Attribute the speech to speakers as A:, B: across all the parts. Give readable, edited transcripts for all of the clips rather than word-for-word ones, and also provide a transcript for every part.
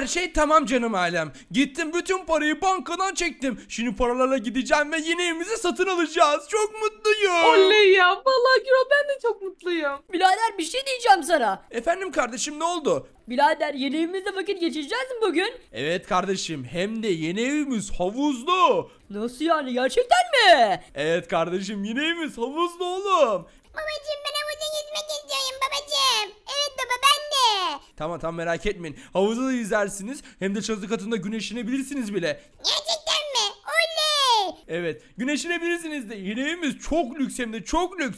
A: Her şey tamam canım ailem. Gittim bütün parayı bankadan çektim. Şimdi paralarla gideceğim ve yeni evimizi satın alacağız. Çok mutluyum.
B: Oley ya. Vallahi Gürol ben de çok mutluyum.
C: Birader bir şey diyeceğim sana.
A: Efendim kardeşim ne oldu?
C: Birader yeni evimizde vakit geçireceğiz mi bugün?
A: Evet kardeşim hem de yeni evimiz havuzlu.
C: Nasıl yani, gerçekten mi?
A: Evet kardeşim yeni evimiz havuzlu oğlum.
D: Babacım ben havuza yüzmek istiyorum babacım. Evet baba ben de.
A: Tamam merak etmeyin. Havuzda da yüzersiniz hem de çatı katında güneşlenebilirsiniz bile.
D: Gerçekten mi? Oley.
A: Evet güneşlenebilirsiniz de yeni evimiz çok lüks hem de çok lüks.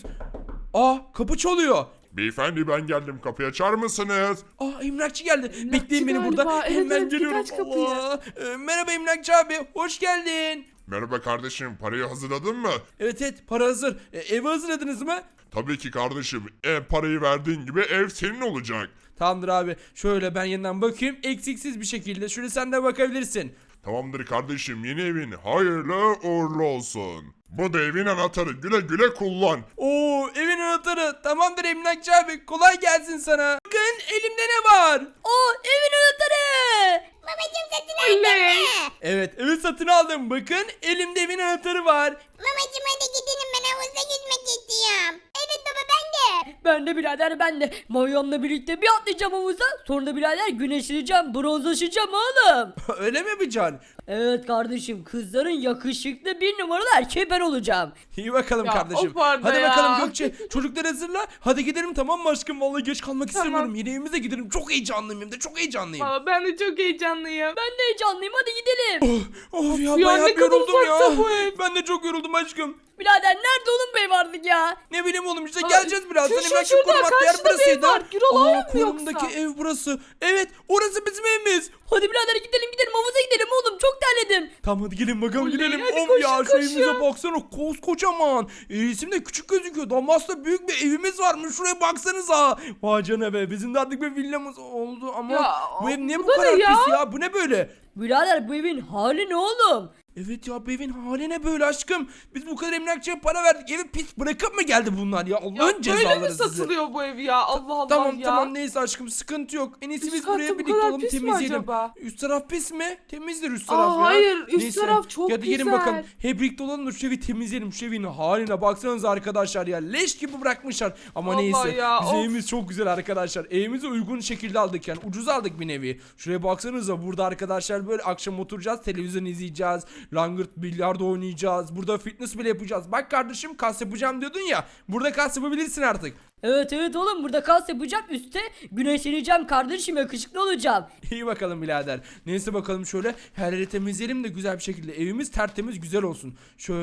A: Aa kapı çalıyor.
E: Beyefendi ben geldim, kapıyı açar mısınız?
A: Aa emlakçı geldi.
B: Emlakçı
A: Bekleyin beni
B: galiba.
A: burada.
B: Evet,
A: Hemen
B: evet, git
A: geliyorum.
B: aç kapıyı.
A: Allah. Merhaba emlakçı abi. Hoş geldin.
E: Merhaba kardeşim, parayı hazırladın mı?
A: Evet para hazır. Evi hazırladınız mı?
E: Tabii ki kardeşim, parayı verdiğin gibi ev senin olacak.
A: Tamamdır abi. Şöyle ben yeniden bakayım. Eksiksiz bir şekilde. Şöyle sen de bakabilirsin.
E: Tamamdır kardeşim, yeni evin hayırlı uğurlu olsun. Bu da evin anahtarı, güle güle kullan.
A: Oo evin anahtarı. Tamamdır emlakçı abi. Kolay gelsin sana. Bakın elimde ne var?
C: Oo, evin anahtarı.
D: Babacım satın aldın
B: Oley.
D: mı?
A: Evet evi satın aldım. Bakın elimde evin anahtarı var.
D: Babacım hadi gidelim ben havuzda yüzmek istiyorum. Evet baba ben de.
C: Ben de birader, ben de. Mayomla birlikte bir atlayacağım havuza. Sonra da birader güneşleneceğim, bronzlaşacağım oğlum.
A: Öyle mi yapacaksın?
C: Evet kardeşim, kızların yakışıklı bir numaralı erkeği ben olacağım.
A: İyi bakalım
B: Ya,
A: kardeşim.
B: of Arda
A: Hadi
B: ya.
A: bakalım Gökçe. Çocukları hazırla. Hadi gidelim tamam mı aşkım? Vallahi geç kalmak
B: Tamam.
A: istemiyorum. Yeni evimize gidelim. Çok heyecanlıyım hem de çok heyecanlıyım.
B: Valla ben de çok heyecanlıyım.
C: Ben de heyecanlıyım, hadi gidelim.
A: Of ya
B: Ya,
A: bayağı
B: ne
A: bir
B: kadar
A: yoruldum ya.
B: uzakta bu ev.
A: Ben de çok yoruldum aşkım.
C: Birader nerede oğlum bu ev artık ya?
A: Ne bileyim oğlum işte
B: Aa,
A: geleceğiz birazdan.
B: şu
A: Emlakçı
B: şurada,
A: korumak yer
B: karşıda bir ev
A: burasıydı.
B: var. Gürol oraya mı
A: Konumdaki
B: yoksa?
A: ev burası. Evet orası bizim evimiz.
C: Hadi birader gidelim havuza gidelim oğlum, çok terledim.
A: Tamam hadi gelin bakalım
B: Oley,
A: gidelim.
B: hadi
A: Of
B: koşun,
A: ya şu
B: koşun.
A: evimize baksana koskocaman. İsim de küçük gözüküyor. Ama aslında büyük bir evimiz varmış. Şuraya baksanıza. Vay canına be bizim de artık bir villamız oldu ama
B: Ya,
A: bu ev niye
B: bu
A: bu
B: da
A: kadar
B: ne ya?
A: pis ya? Bu ne böyle?
C: Birader bu evin hali ne oğlum?
A: Evet ya bu evin hali ne böyle aşkım? Biz bu kadar emlakçıya para verdik. Evi pis bırakıp mı geldi bunlar ya?
B: Ya
A: Allah'ın
B: böyle mi
A: cezaları sizi.
B: satılıyor bu ev ya? Allah Allah
A: Tamam
B: ya.
A: tamam neyse aşkım sıkıntı yok. En iyisi
B: Üst
A: biz
B: katı
A: buraya
B: bu
A: birlikte
B: kadar
A: olalım
B: pis mi
A: temizleyelim.
B: acaba?
A: Üst taraf pis mi? Temizdir üst taraf ya.
B: Hayır, üst
A: Neyse,
B: taraf çok
A: hadi gelin
B: güzel.
A: bakalım. Hep birlikte olalım da şu evi temizleyelim. Şu evin haline baksanıza arkadaşlar ya. Leş gibi bırakmışlar. Ama
B: Vallahi
A: neyse.
B: ya,
A: Bizim
B: of.
A: evimiz çok güzel arkadaşlar. Evimizi uygun şekilde aldık yani. Ucuz aldık bir nevi. Şuraya baksanıza burada arkadaşlar böyle akşam oturacağız. Televizyon izleyeceğiz. Langırt bilyardo oynayacağız. Burada fitness bile yapacağız. Bak kardeşim kas yapacağım diyordun ya. Burada kas yapabilirsin artık.
C: Evet oğlum, burada kas yapacağım, üstte güneşleneceğim kardeşim, yakışıklı olacağım.
A: İyi bakalım birader. Neyse bakalım şöyle her yeri temizleyelim de güzel bir şekilde. Evimiz tertemiz güzel olsun.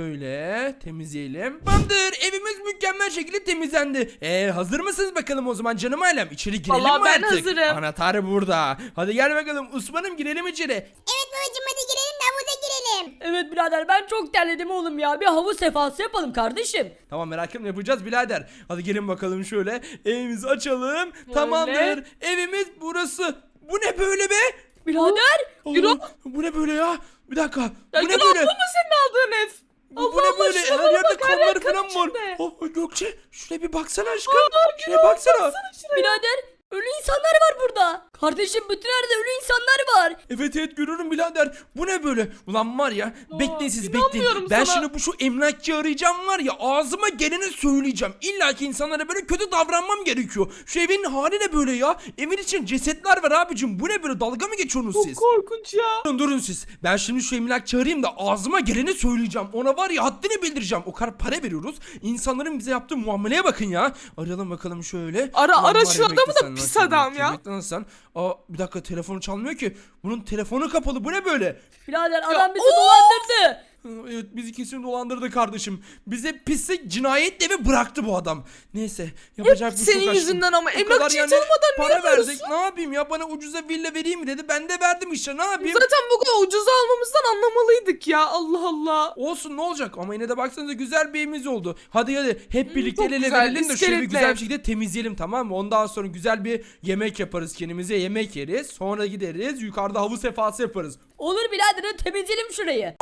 A: Şöyle temizleyelim. Tamamdır. Evimiz mükemmel şekilde temizlendi. Hazır mısınız bakalım o zaman canım ailem? İçeri girelim
B: Vallahi
A: mi
B: ben
A: artık?
B: hazırım.
A: Anahtar burada. Hadi gel bakalım Osman'ım girelim içeri.
D: Evet babacım hadi girelim de havuza girelim.
C: Evet birader, ben çok terledim oğlum ya, bir havuz sefası yapalım kardeşim.
A: Tamam merak etme yapacağız birader. Hadi gelin bakalım şöyle. Evimizi açalım. Tamamdır. Evimiz burası. Bu ne böyle be?
C: Birader
B: Gürol.
A: Bu ne böyle ya? Bir dakika.
B: Ya
A: Bu ne
B: Gürol,
A: böyle?
B: bu mu senin aldığın ev?
A: Bu ne böyle? Her
B: şuralara
A: yerde
B: bak, her yer
A: kanlar
B: kan
A: falan var.
B: içinde.
A: Oh Gökçe şuraya bir baksana aşkım. Şuraya
B: Gürol,
A: baksana.
C: birader, ölü insanlar var burada. Kardeşim bütün yerde ölü insanlar var.
A: Evet görüyorum birader. Bu ne böyle? Ulan var ya bekleyin siz bekleyin.
B: inanmıyorum
A: Ben
B: sana.
A: şimdi şu emlakçıyı arayacağım var ya ağzıma geleni söyleyeceğim. İlla ki insanlara böyle kötü davranmam gerekiyor. Şu evin hali ne böyle ya? Evin için cesetler var abicim. Bu ne böyle dalga mı geçiyorsunuz siz?
B: Çok korkunç ya.
A: Durun siz. Ben şimdi şu emlakçıyı arayayım da ağzıma geleni söyleyeceğim. Ona var ya haddini bildireceğim. O kadar para veriyoruz. İnsanların bize yaptığı muameleye bakın ya. Arayalım bakalım şöyle.
B: Ara,
A: Ulan
B: ara
A: var
B: şu
A: ya,
B: adamı
A: bekle
B: da
A: sen,
B: pis
A: lan,
B: adam
A: bekle,
B: ya.
A: bekle lan sen. Aa bir dakika telefonu çalmıyor ki. Bunun telefonu kapalı. Bu ne böyle?
C: Birader adam bizi
B: of!
C: dolandırdı.
A: Evet bizi kesin dolandırdı kardeşim. Bize pislik cinayet evi bıraktı bu adam. Neyse yapacak bir şey
B: senin
A: yok aşkım.
B: yüzünden ama
A: Bu
B: emlakçıyı
A: kadar yani
B: tanımadan niye
A: para verdik.
B: yapıyorsun?
A: Ne yapayım ya bana ucuza villa vereyim mi dedi. Ben de verdim işte ne yapayım.
B: Zaten bu kadar ucuza almamızdan anlamalıydık ya. Allah Allah.
A: Olsun ne olacak ama yine de baksanıza güzel bir evimiz oldu. Hadi hep birlikte
B: çok
A: el ele
B: güzel,
A: verelim de şöyle bir
B: iskeletle.
A: güzel bir şekilde temizleyelim tamam mı? Ondan sonra güzel bir yemek yaparız kendimize yemek yeriz. Sonra gideriz yukarıda havuz sefası yaparız.
C: Olur birader, temizleyelim şurayı.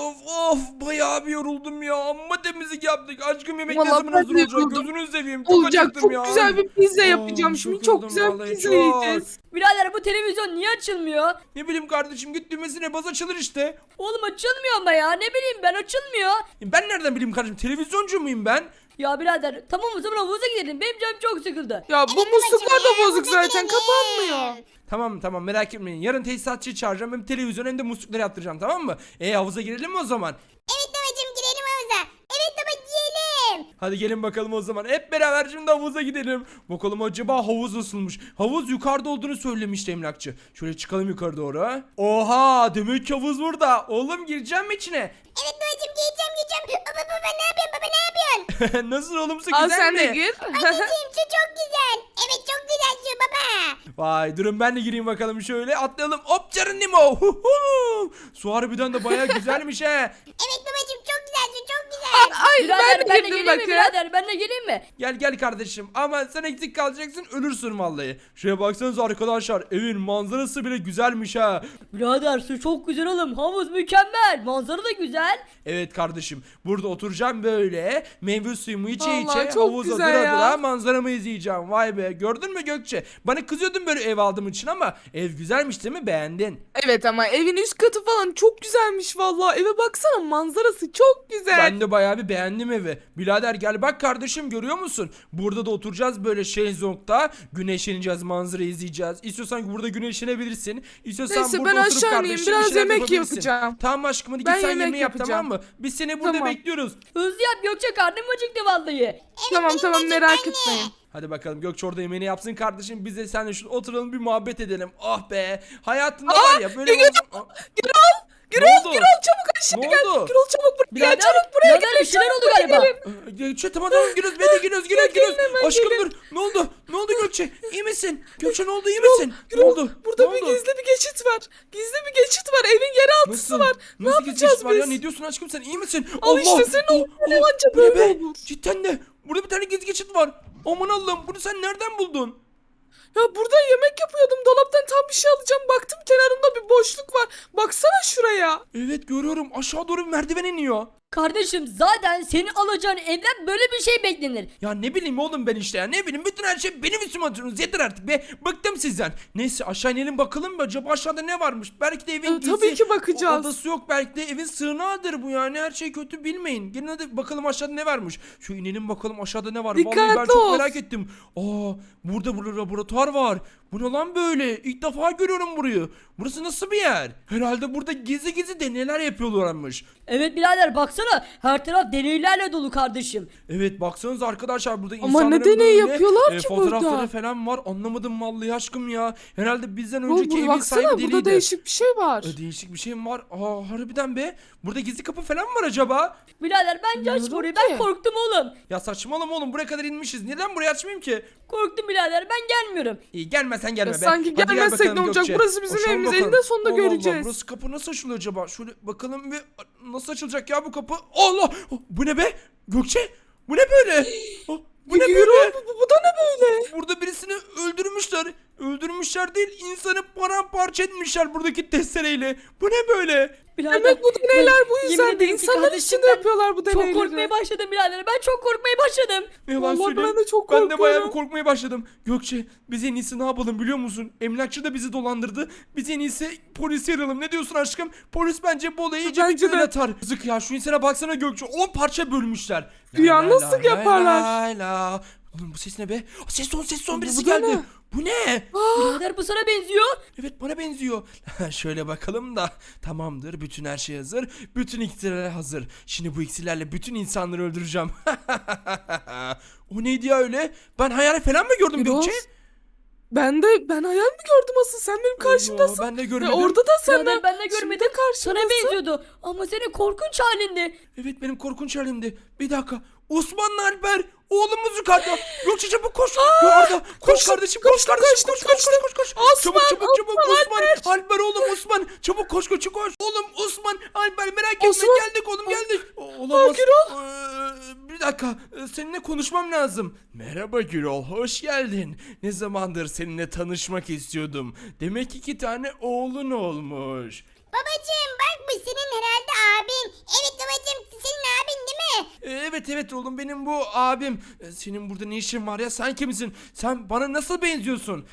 A: Of bayağı bir yoruldum ya. Amma temizlik yaptık. Aşkım yemek ne
B: Vallahi
A: zaman
B: ben
A: hazır
B: de
A: olacak?
B: yoruldum.
A: Gözünü seveyim. Çok
B: Olacak,
A: acıktım
B: çok
A: ya.
B: güzel bir pizza
A: Aa,
B: yapacağım.
A: çok
B: Şimdi çok
A: yoruldum
B: güzel bir
A: vallahi,
B: pizza
A: çok.
B: yiyeceğiz.
C: Birader bu televizyon niye açılmıyor?
A: Ne bileyim kardeşim, git düğmesine bas, açılır işte.
C: Oğlum açılmıyor ama ya, ne bileyim ben, açılmıyor.
A: Ben nereden bileyim kardeşim, televizyoncu muyum ben?
C: Ya birader tamam o zaman havuza gidelim, benim canım çok sıkıldı.
B: Ya bu musluklar da
D: babacığım,
B: bozuk
D: havuza
B: zaten,
D: gidelim.
B: kapanmıyor.
A: Tamam merak etmeyin, yarın tesisatçıyı çağıracağım, hem televizyon hem de muslukları yaptıracağım, tamam mı? Havuza girelim mi o zaman?
D: Evet babacığım girelim havuza. Evet baba girelim.
A: Hadi gelin bakalım o zaman, hep beraber şimdi havuza gidelim. Bakalım acaba havuz nasılmış? Havuz yukarıda olduğunu söylemişti emlakçı. Şöyle çıkalım yukarı doğru ha. Oha, demek ki havuz burada. Oğlum, gireceğim mi içine?
D: Evet babacığım gireceğim. Baba ne yapıyorsun baba ne yapıyorsun?
A: Nasıl oğlum, su
B: Al
A: güzel
B: sen
A: mi?
B: de gir.
D: Anneciğim su çok güzel. Evet çok güzel su baba.
A: Vay, durun ben de gireyim bakalım, şöyle atlayalım. Hop Nemo. Huhu. Su harbiden de bayağı güzelmiş he.
D: Evet babacığım çok güzel su çok güzel.
B: Ay
C: Birader
B: ben
C: ben
B: de
C: de
B: girdim
C: geleyim mi
B: bakın.
C: birader, ben de geleyim mi?
A: Gel kardeşim, ama sen eksik kalacaksın, ölürsün vallahi. Şuraya baksanıza arkadaşlar, evin manzarası bile güzelmiş ha.
C: Birader su çok güzel oğlum, havuz mükemmel, manzara da güzel.
A: Evet kardeşim, burada oturacağım böyle, meyve suyumu içe
B: Vallahi
A: içe,
B: çok
A: havuzda
B: güzel
A: dura
B: ya.
A: dura manzaramı izleyeceğim. Vay be, gördün mü Gökçe? Bana kızıyordun böyle ev aldığım için ama ev güzelmiş değil mi, beğendin?
B: Evet ama evin üst katı falan çok güzelmiş vallahi. Eve baksana, manzarası çok güzel.
A: Ben de bayağı bir beğendim evi. Birader gel bak kardeşim, görüyor musun? Burada da oturacağız böyle şezlongda, güneşleneceğiz, manzara izleyeceğiz. İstiyorsan burada güneşlenebilirsin. İstiyorsan
B: Neyse,
A: burada
B: ben
A: oturup
B: aşağı
A: kardeşim
B: ineyim, biraz
A: bir şeyler
B: yemek
A: yapabilirsin.
B: yapacağım.
A: Tamam aşkım, hadi git
B: Ben
A: sen
B: yemek
A: yemeği yap,
B: yapacağım.
A: tamam mı? Biz seni burada
B: Tamam.
A: bekliyoruz.
C: Hızlı yap Gökçe, karnım acıktı vallahi.
B: Tamam merak etmeyin.
A: Hadi bakalım, Gökçe orada yemeğini yapsın kardeşim. Biz de seninle şurada oturalım, bir muhabbet edelim. Oh be. Hayatında var ya böyle...
B: Gürol çabuk aşağı
A: Ne
B: gel.
A: oldu?
B: Gürol çabuk buraya
C: Birader,
B: gel, çabuk buraya
C: birader,
B: gel.
C: bir şeyler
B: çabuk
C: oldu
B: buraya
C: galiba.
B: gelin.
A: Gökçe tamam giriyoruz, ben de giriyoruz.
B: hemen
A: Aşkım
B: gelin.
A: dur. Ne oldu? Ne oldu Gökçe? İyi misin? Gökçe ne oldu? İyi misin? Ne
B: Gürol,
A: oldu?
B: burada
A: Ne
B: bir
A: oldu?
B: gizli bir geçit var. Gizli bir geçit var. Evin yeraltısı var. Ne
A: Nasıl
B: yapacağız
A: geçiş var ya?
B: biz?
A: Ne diyorsun aşkım, sen iyi misin?
B: Al işte, senin oğlun anca
A: bu ne
B: böyle
A: be?
B: olur.
A: Cidden de. Burada bir tane gizli geçit var. Aman Allah'ım, bunu sen nereden buldun?
B: Ya burada yemek yapıyordum. Dolaptan tam bir şey alacağım. Baktım kenarında bir boşluk var. Baksana şuraya.
A: Evet görüyorum, aşağı doğru bir merdiven iniyor.
C: Kardeşim zaten senin alacağın evden böyle bir şey beklenir.
A: Ya ne bileyim oğlum ben işte ya, ne bileyim, bütün her şey benim üstüme atıyorsunuz, yeter artık be, bıktım sizden. Neyse aşağı inelim bakalım mı, acaba aşağıda ne varmış? Belki de evin
B: Ya,
A: gizli
B: tabii ki bakacağız.
A: odası yok, belki de evin sığınağıdır bu, yani her şey kötü bilmeyin. Gelin hadi bakalım aşağıda ne varmış. Şu inelim bakalım aşağıda ne var. Vallahi ben
B: Dikkatli
A: çok
B: ol.
A: merak ettim. Burada laboratuvar var. Bu ne lan böyle? İlk defa görüyorum burayı. Burası nasıl bir yer? Herhalde burada gizli deneyler yapıyorlarmış.
C: Evet birader baksana, her taraf deneylerle dolu kardeşim.
A: Evet baksanıza arkadaşlar, burada
B: Ama
A: insanların
B: ne deney
A: böyle,
B: yapıyorlar ki
A: fotoğrafları
B: burada?
A: falan var. Anlamadım vallahi aşkım ya. Herhalde bizden
B: Oğlum,
A: önceki evin
B: baksana,
A: sahibi
B: burada
A: deliydi.
B: değişik bir şey var.
A: Değişik bir şey mi var? Harbiden be. Burada gizli kapı falan mı var acaba?
C: Birader bence aç
B: Bilmiyorum
C: burayı,
B: ki.
C: ben korktum oğlum.
A: Ya saçmalama oğlum, buraya kadar inmişiz. Neden burayı açmayayım ki?
C: Korktum birader, ben gelmiyorum.
A: İyi, gelmesen gelme
B: Ya
A: be.
B: sanki
A: Hadi gel
B: gelmezsek
A: bakalım
B: ne olacak?
A: Gökçe.
B: Burası bizim
A: Açalım
B: evimiz.
A: bakalım.
B: Eninde sonunda
A: Allah Allah,
B: göreceğiz.
A: burası kapı nasıl açılıyor acaba? Şöyle bakalım bir, nasıl açılacak ya bu kapı? Allah! Bu ne be? Gökçe? Bu ne böyle? Bu ne
B: Yürü,
A: böyle?
B: bu da ne böyle?
A: Burada birisini öldürmüşler. Öldürmüşler değil, insanı paramparça etmişler buradaki testereyle. Bu ne böyle?
C: Birader,
B: Demek bu deneyler bu
C: yemin
B: yüzden de
C: ederim ki
B: insanlar
C: kardeşim,
B: içinde
C: ben
B: yapıyorlar bu
C: çok
B: deneyleri.
C: korkmaya başladım birader, ben çok korkmaya başladım.
A: Ne yalan
B: Vallahi
A: söyleyeyim.
B: ben de çok
A: Ben de bayağı
B: korkuyorum.
A: bir korkmaya başladım. Gökçe, biz en iyisi ne yapalım biliyor musun? Emlakçı da bizi dolandırdı. Biz en iyisi polisi arayalım. Ne diyorsun aşkım? Polis bence bu olayı iyice bir
B: Bence de.
A: göğe atar. Yazık ya, şu insana baksana Gökçe. 10 parça bölmüşler.
B: Ya nasıl yaparlar?
A: La. Bu ses ne be? Ses son birisi
B: Bu da
A: geldi.
B: ne?
A: Bu ne?
C: Birader bu sana benziyor.
A: Evet, bana benziyor. Şöyle bakalım da. Tamamdır, bütün her şey hazır. Bütün iksirler hazır. Şimdi bu iksirlerle bütün insanları öldüreceğim. O neydi ya öyle? Ben hayal falan mı gördüm
B: Gürol,
A: Gökçe?
B: Ben hayal mi gördüm asıl? Sen benim karşımdasın.
A: Ben de
B: Ve
A: görmedim.
B: orada da sen
C: Birader ben de görmedim. Sana
B: karşımdasın.
C: benziyordu ama senin korkunç halindi.
A: Evet, benim korkunç halimdi. Bir dakika. Osmanlı Alper. Oğlumuz yukarıda. Gökçe çabuk koş. Ya Arda, koş kardeşim, koş kardeşim, koş.
B: Osman,
A: Çabuk. Osman Alper oğlum, Osman. Çabuk koş. Oğlum Osman Alper, merak etme,
B: Osman.
A: geldik oğlum, geldik. Olamaz.
B: Gürol.
A: Bir dakika. Seninle konuşmam lazım. Merhaba Gürol, hoş geldin. Ne zamandır seninle tanışmak istiyordum. Demek 2 tane oğlun olmuş.
D: Babacığım bak bu senin herhalde abin. Evet babacığım senin abin değil mi?
A: Evet oğlum, benim bu abim. Senin burada ne işin var ya, sen kimsin? Sen bana nasıl benziyorsun?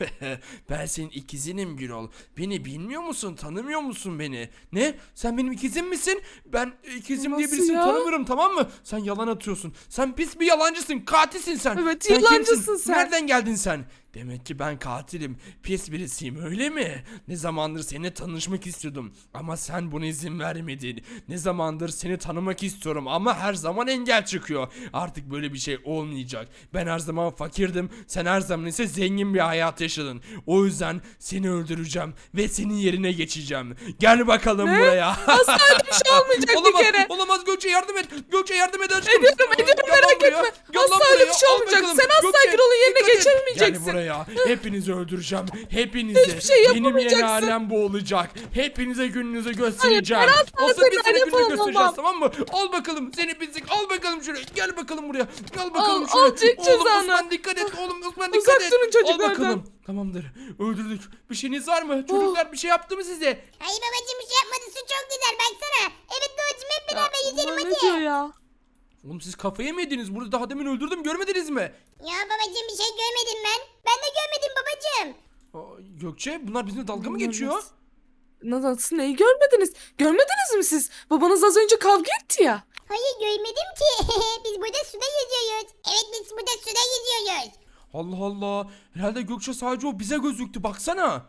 A: Ben senin ikizinim Gürol. Beni bilmiyor musun? Tanımıyor musun beni? Ne? Sen benim ikizim misin? Ben ikizim diye
B: Nasıl
A: birisini
B: ya?
A: tanımıyorum, tamam mı? Sen yalan atıyorsun. Sen pis bir yalancısın. Katilsin sen.
B: Evet,
A: Sen
B: yalancısın
A: kimsin?
B: sen.
A: Nereden geldin sen? Demek ki ben katilim. Pis birisiyim, öyle mi? Ne zamandır seninle tanışmak istiyordum. Ama sen buna izin vermedin. Ne zamandır seni tanımak istiyorum ama her zaman engel çıkıyor. Artık böyle bir şey olmayacak. Ben her zaman fakirdim. Sen her zaman ise zengin bir hayat yaşadın. O yüzden seni öldüreceğim ve senin yerine geçeceğim. Gel bakalım buraya.
B: Asla öyle bir şey olmayacak
A: Olamaz,
B: bir kere.
A: olamaz, Gökçe yardım et. Gökçe yardım et aşkım.
B: Ediyorum
A: Gel lan
B: merak
A: buraya.
B: etme.
A: Gel lan
B: Asla öyle
A: buraya.
B: bir şey
A: Al
B: olmayacak.
A: bakalım.
B: Sen asla
A: Gökçe,
B: Gürol'un yerine
A: dikkat et.
B: geçemeyeceksin.
A: Gel buraya. Hepinizi öldüreceğim. Hepinizi.
B: Hiçbir şey
A: Benim yeni
B: yapamayacaksın.
A: alem bu olacak. Hepinize gününüzü göstereceğim.
B: ben asla
A: Olsa
B: senin
A: biz seni
B: alem
A: gününü
B: falan
A: göstereceğiz,
B: olmam.
A: tamam mı? Al bakalım seni pislik. Al bakalım şuraya. Gel bakalım buraya. Gel bakalım
B: Al,
A: şuraya.
B: al, çek
A: Oğlum
B: cezanı.
A: Osman dikkat et. Oğlum Osman
B: Uzak
A: dikkat et.
B: durun
A: Al
B: çocuklardan.
A: bakalım. Tamamdır. Öldürdük. Bir şeyiniz var mı? Çocuklar bir şey yaptı mı size?
D: Hayır babacım bir şey yapmadı, su çok güzel baksana. Evet babacım hep beraber yüzelim
B: Bunlar
D: hadi.
B: ne diyor ya?
A: Oğlum siz kafayı mı yediniz? Burada daha demin öldürdüm, görmediniz mi?
D: Ya babacım bir şey görmedim ben. Ben de görmedim babacım.
A: Gökçe, bunlar bizimle dalga mı
B: Bunlar
A: geçiyor?
B: Nasıl, neyi görmediniz? Görmediniz mi siz? Babanız az önce kavga etti ya.
D: Hayır görmedim ki. Biz burada suda yüzüyoruz. Evet biz burada suda yüzüyoruz.
A: Allah Allah. Herhalde Gökçe sadece o bize gözüktü. Baksana.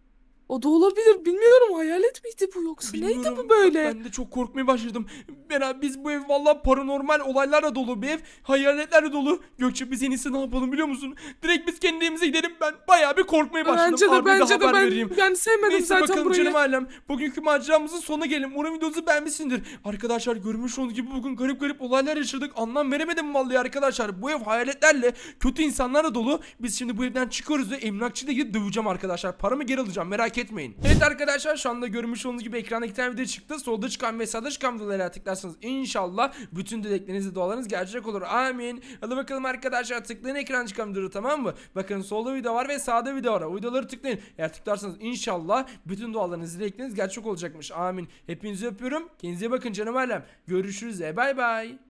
B: O da olabilir. Bilmiyorum, hayalet miydi bu yoksa? Neydi
A: Bilmiyorum.
B: bu böyle?
A: Ben de çok korkmaya başladım. Biz bu ev vallahi paranormal olaylarla dolu bir ev. Hayaletlerle dolu. Gökçe, biz en iyisi ne yapalım biliyor musun? Direkt biz kendi evimize gidelim. Ben bayağı bir korkmaya başladım.
B: Bence de
A: Arda'ya
B: bence de
A: haber
B: ben,
A: vereyim.
B: ben sevmedim
A: Neyse
B: zaten
A: bakalım
B: burayı.
A: canım ailem. Bugünkü maceramızın sonuna gelelim. Umarım videomuzu beğenmişsindir. Arkadaşlar, görmüş olduğunuz gibi bugün garip olaylar yaşadık. Anlam veremedim vallahi arkadaşlar. Bu ev hayaletlerle, kötü insanlarla dolu. Biz şimdi bu evden çıkıyoruz ve emlakçıyla gidip döveceğim arkadaşlar. Paramı geri alacağım, merak etmeyin. Evet arkadaşlar, şu anda görmüş olduğunuz gibi ekranda iki tane video çıktı. Solda çıkan ve sağda çıkan videolara tıklarsanız inşallah bütün dilekleriniz ve dualarınız gerçek olur. Amin. Hadi bakalım arkadaşlar, tıklayın ekran çıkan videoları, tamam mı? Bakın solda video var ve sağda video var. O videoları tıklayın. Eğer tıklarsanız inşallah bütün dualarınız, dilekleriniz gerçek olacakmış. Amin. Hepinizi öpüyorum. Kendinize bakın canım ailem. Görüşürüz. Bay bay.